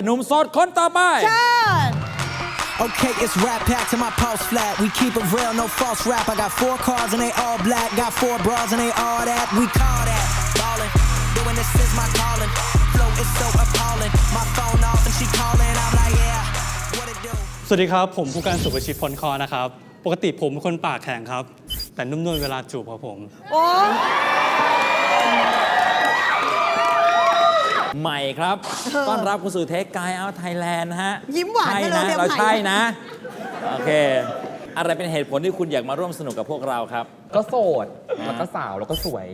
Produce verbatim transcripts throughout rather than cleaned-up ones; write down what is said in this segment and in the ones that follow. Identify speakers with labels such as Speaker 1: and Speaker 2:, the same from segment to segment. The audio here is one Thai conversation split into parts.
Speaker 1: หนุ่มโสดคนต่อไป
Speaker 2: Okay, it's rap pack to my pulse flat. We keep it real, no false rap. I got four cars and they all black. Got four bras and they all that. We call that ballin'. Doing this is my calling. Flow is so appalling. My phone off and she calling. I'm like, yeah, what it do?
Speaker 3: สวัสดีครับผมผู้การสุประชิตพลคอนะครับปกติผมเป็นคนปากแข็งครับแต่นุ่มนวลเวลาจูบครับผม
Speaker 4: โอ้
Speaker 1: ใหม่ครับ ต้อนรับคุณสู่เทคกายเอาไทยแลนด์นะฮะ
Speaker 4: ยิ้มหวาน
Speaker 1: ใช่
Speaker 4: กันเล
Speaker 1: นะ
Speaker 4: ยเนี่ย
Speaker 1: เรา
Speaker 4: ใหม่
Speaker 1: ใช่นะ โอเค อะไรเป็นเหตุผลที่คุณอยากมาร่วมสนุกกับพวกเราครับ
Speaker 5: ก็โสด แล้วก็สาว แล้วก็สวย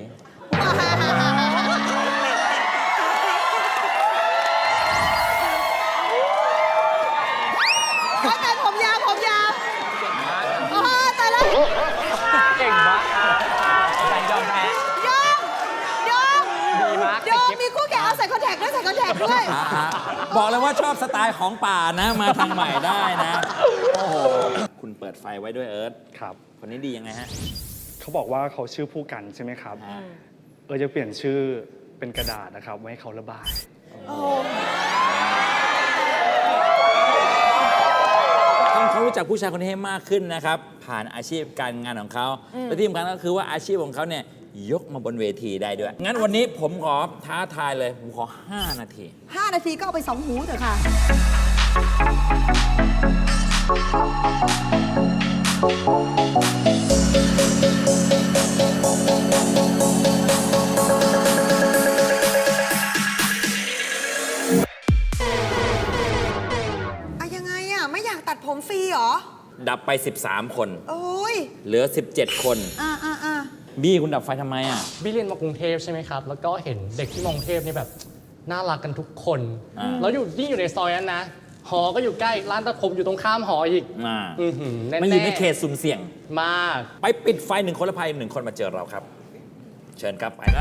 Speaker 4: เขาแต่ผมยาวผมยาวอ๋อแต่ละ
Speaker 5: เก่งมากใจยอมแพ้
Speaker 4: ยอมยอม
Speaker 5: ดีมาก
Speaker 4: ยอมมีคู่แข่งเอาใส่คอนแทคด้วยใส่คอนแทคด้วย
Speaker 1: อ่าๆบอกเลยว่าชอบสไตล์ของป่านะ มาทางใหม่ได้นะ โอ้โห คุณเปิดไฟไว้ด้วยเอิร์ธ
Speaker 3: ครับ
Speaker 1: คนนี้ดียังไงฮะ
Speaker 3: เขาบอกว่าเขาชื่อผู้กันใช่ไหมครับ
Speaker 1: อ่า
Speaker 3: เออจะเปลี่ยนชื่อเป็นกระดาษนะครับไว้ให้เขาระบาย
Speaker 1: ทำเขารู้จักผู้ชายคนนี้ให้มากขึ้นนะครับ ผ่านอาชีพการงานของเขา และที่สำคัญก็คือว่าอาชีพของเขาเนี่ยยกมาบนเวทีได้ด้วย งั้นวันนี้ผมขอท้าทายเลย ผมขอ ห้า นาที
Speaker 4: ห้านาทีก็เอาไปสองหูเถอะค่ะ อะยังไงอะไม่อยากตัดผมฟรีเหรอ
Speaker 1: ดับไป สิบสาม คน
Speaker 4: โอ้ย
Speaker 1: เหลือ สิบเจ็ด คน
Speaker 4: อ่าอ่าอ่า
Speaker 1: บี้คุณดับไฟทำไมอ่ะ
Speaker 6: บี้เรียนมากรุงเทพใช่ไหมครับ แล้วก็เห็นเด็กที่มากรุงเทพนี่แบบน่ารักกันทุกคน
Speaker 1: อ่า
Speaker 6: แล้วอยู่ยิ่งอยู่ในซอยนั้นนะ หอก็อยู่ใกล้ ร้านตัดผมอยู่ตรงข้ามหออีก
Speaker 1: มา
Speaker 6: อือหือแน่ๆ
Speaker 1: มันอยู่ในเขตสุ่มเสี่ยง
Speaker 6: มาก
Speaker 1: ไปปิดไฟหนึ่งคนและภัยหนึ่งคนมาเจอเราครับ เชิญครับ ไปได้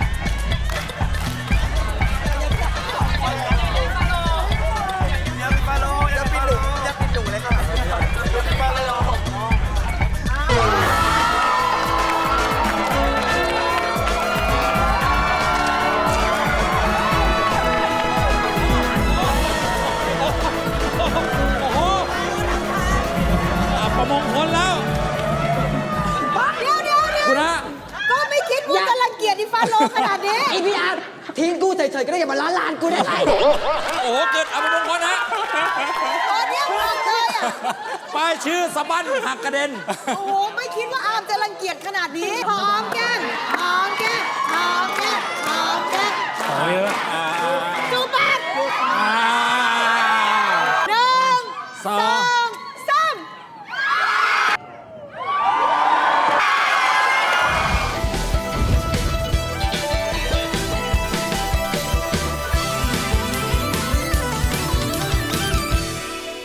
Speaker 1: ประมงคนแล้ว
Speaker 4: เดี๋ยวเดี๋ยวเดี๋ยว
Speaker 1: คุณฮะ
Speaker 4: ก็ไม่คิดว่าจะรังเกียจอีฟาโลขนาดนี้
Speaker 5: ไอพี่อาร์ตทิ้งกูเฉยๆก็ได้อย่ามาล้านลานกูได้ไร
Speaker 1: โอ้โห เกิดเอาประมงคนฮะ
Speaker 4: ตอนเนี้ยบอกเลยอ่ะ
Speaker 1: ป้ายชื่อสะบั้นหักกระเด็น
Speaker 4: โอ้โห ไม่